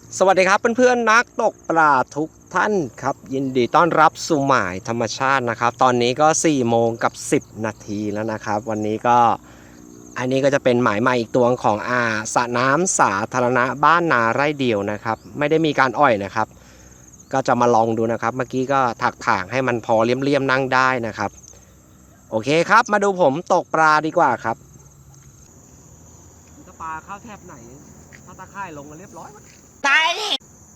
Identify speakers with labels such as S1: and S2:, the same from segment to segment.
S1: สวัสดีครับเพื่อนๆนักตกปลาทุกท่านครับยินดีต้อนรับสู่หมายธรรมชาตินะครับตอนนี้ก็4 โมงกับ10 นาทีแล้วนะครับวันนี้ก็อันนี้ก็จะเป็นหมายใหม่อีกตัวของสระน้ำสาธารณะบ้านนาไร่เดียวนะครับไม่ได้มีการอ่อยนะครับก็จะมาลองดูนะครับเมื่อกี้ก็ถักถางให้มันพอเลี่ยมๆนั่งได้นะครับโอเคครับมาดูผมตกปลาดีกว่าครับปลาเข้าแทบไหนถ้าตะไคร่ลงกันเรียบร้อยตายดิ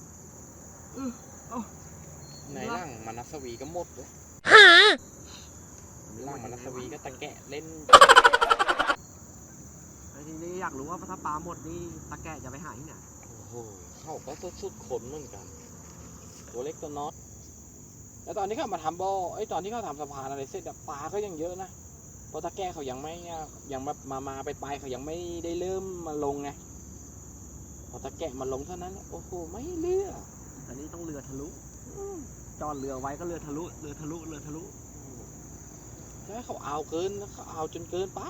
S2: ในร่างมานัสวีก็หมดเลยร่างมานัสวีก็ตะแกะเล่น
S1: ทีนี้อยากรู้ว่าถ้าปลาหมดนี่ตะแกะจะไปหาที่ไหน
S2: โอ้โหเข้าก็สุดขนเหมือนกันตัวเล็กตัวน้อยแล้วตอนที่เขามาทำบ่อตอนที่เขาทำสะพานอะไรเสร็จปลาก็ยังเยอะนะเพราะตะแกะเขายังไม่ยังมาไปเขายังไม่ได้เริ่มมาลงไงพอตะแกะมาลงเท่านั้นโอ้โหไม่เลือก
S1: อันนี้ต้องเรือทะลุจอดเรือไว้ก็เรือทะลุ
S2: ถ้าเขาเอาเกินเขาเอาจนเกินไป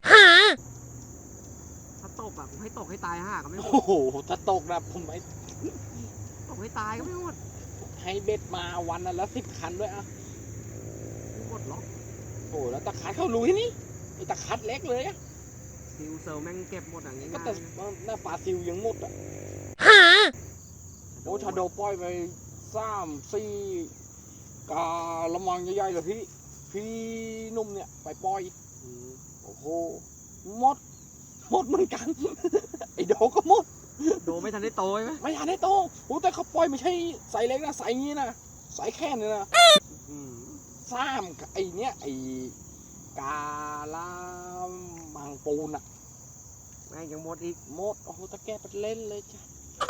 S1: ถ้าตกให้ตกให้ตายก็ไม่หมด
S2: โอ้โหถ้าตกนะผมไม่
S1: ตกให้ตายก็ไม่หมด
S2: ให้เบ็ดมาวันละ10 คันด้วย
S1: ไม่หมดหรอก
S2: โอ้แล้วตะคัดเขารู้ที่นี่ไอ้ตะคัดเล็กเลย
S1: ซิลเซลแม่งเก็บหมดอย่างนี้
S2: ก็แต่หน้าปลาซิลยังหมดโอ้ชาโดปล่อยไป3-4กาละมังใหญ่ๆเลยพี่นุ่มเนี่ยไปปล่อยโอ้โหหมดเหมือนกันไอ้โดก็หมด
S1: โดไม่ทันได้โตใช่ไหม
S2: ไม่ทันได้โตโอ้แต่เขาปล่อยไม่ใช่ใส่เล็กนะใส่งี้นะใส่แค่นี้นะไอ้เนี้ยไอ้กาละมังปูน
S1: แม่งยังหมดอีก
S2: หมดโอ้โหตะแกะไปเล่นเลยจ้ะ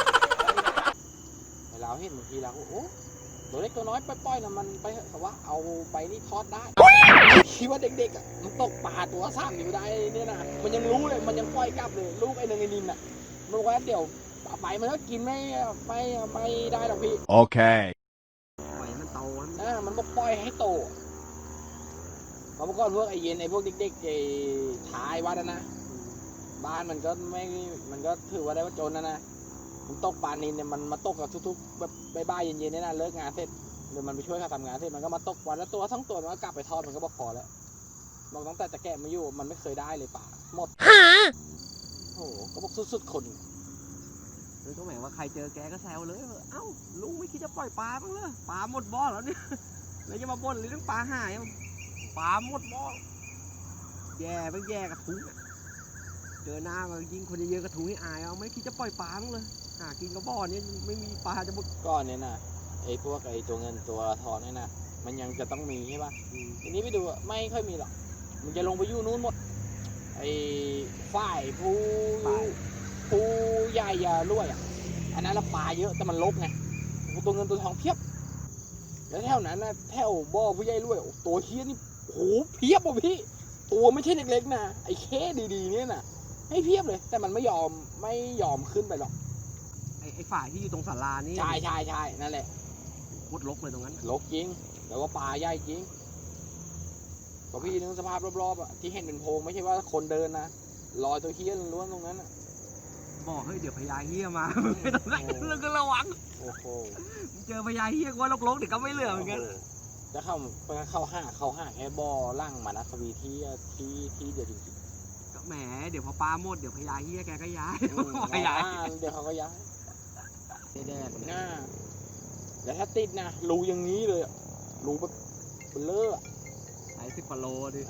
S2: เราเห็นบางทีเราโอ้ตัวเล็กตัวน้อยปล่อยนะมันไปแต่ว่าเอาไปนี่ทอดได้คิดว่าเด็กๆมันตกปลาตัว3 นิ้วได้เนี่ยนะมันยังรู้เลยมันยังปล่อยกลับเลยลูกไอ้นึงไอ้นินมันบอกว่าเดี๋ยวไปมันก็กินไม่ได้หรอกพี่
S3: โอเค
S1: ปล่อยมันโต
S2: มันบอกปล่อยให้โตเพราะเมื่อก่อนพวกไอ้เย็นไอ้พวกเด็กๆไอ้ท้ายวัดนะบ้านมันก็ถือว่าได้ว่าจนนะมันตกปลานินเนี่ยมันมาตกกับทุกๆแบบบ่ายๆเย็นๆเนี่ยนะเลิกงานเสร็จเดี๋ยวมันไปช่วยเขาทำงานเสร็จมันก็มาตกวันละตัว2 ตัวมันก็กลับไปทอดมันก็บอกพอแล้วบอกตั้งแต่จะแกะมาอยู่มันไม่เคยได้เลยปลาหมดโอ้โหก็บอกสุดๆคน
S1: เลยก็หมายว่าใครเจอแกก็แซวเลยเอ้าลุงไม่คิดจะปล่อยปลาบ้างเลยปลาหมดบ่อแล้วเนี่ยแล้วจะมาบ่นหรือเรื่องปลาหายปลาหมดบ่อแย่ไปแย่กระทุ้งเจอหน้ามายิงคนเยอะๆกระทุ้งให้อายไม่คิดจะปล่อยปลาบ้างเลยหากินกระบ่อนี้ไม่มีปลาจะบุก
S2: ก้อนเนี่ยนะไอ้พวกไอ้ตัวเงินตัวทองเนี่ยนะมันยังจะต้องมีใช่ป่ะทีนี้ไปดูไม่ค่อยมีหรอกมันจะลงไปยู่นู้นหมดไอ้ฝ่ายผู้ใหญ่รวยอันนั้นละปลาเยอะแต่มันลบไงตัวเงินตัวทองเพียบแล้วแถวนั้นนะแถวบ่อผู้ใหญ่รวยตัวเฮี้ยนี่โหเพียบอ่ะพี่ตัวไม่ใช่เล็กๆนะไอ้แค่ดีๆเนี่ยนะให้เพียบเลยแต่มันไม่ยอมขึ้นไปหรอก
S1: ไอ้ฝ่ายที่อยู่ตรงศาลานี่
S2: ใช่นั่นแหละ
S1: โคตรรกเลยตรงนั้น
S2: รกจริงแต่ว่าปลาใหญ่จริงก็พี่นึกสภาพรอบๆที่เห็นเป็นโพรงไม่ใช่ว่าคนเดินนะลอยตัวเฮี้ยล้วนตรงนั้น
S1: บอกเฮ้ยเดี๋ยวพญาเฮี้ยมาไม่ต้องไหนเราก็ระวัง
S2: โอ้โห
S1: เจอพญาเฮี้ยก็ลกๆเดี๋ยวก็ไม่เหลือเหมือนกัน
S2: จะเข้าห้าแค่บ่อล่างมานะสวีที่เดียวจริง
S1: ๆก็แหมเดี๋ยวพอปลาหมดเดี๋ยวพญาเฮี้ยแกก็ย้าย
S2: เดี๋ยวเขาก็ย้ายแดดหน้าแล้วถ้าติดนะรูอย่างนี้เลยรูแบบเบลอ
S1: ใส่10 กว่าโลดิ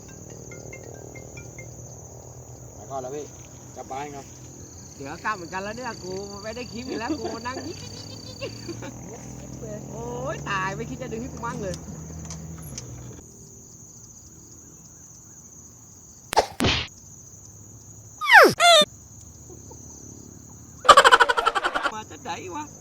S2: ไปก่อนแล้วพี่กลับบ้านครับ
S1: เดี๋ยวกลับเหมือนกันแล้วเนี่ยกูไม่ได้คลิปอีกแล้วกูนั่งยิ๊กโอ้ยตายไม่คิดจะดึงให้กูมั่งเลยมาจะไหนวะ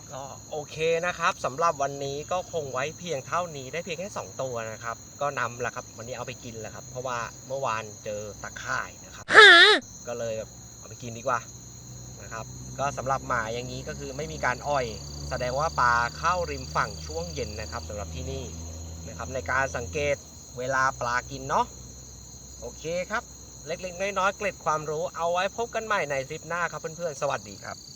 S1: ก็โอเคนะครับสำหรับวันนี้ก็คงไว้เพียงเท่านี้ได้เพียงแค่2ตัวนะครับก็นำละครับวันนี้เอาไปกินแล้วครับเพราะว่าเมื่อวานเจอตะข่ายนะครับก็เลยเอาไปกินดีกว่านะครับก็สำหรับหมายอย่างนี้ก็คือไม่มีการอ้อยแสดงว่าปลาเข้าริมฝั่งช่วงเย็นนะครับสำหรับที่นี่นะครับในการสังเกตเวลาปลากินเนาะโอเคครับเล็กๆน้อยๆเกร็ดความรู้เอาไว้พบกันใหม่ในคลิปหน้าครับเพื่อนๆสวัสดีครับ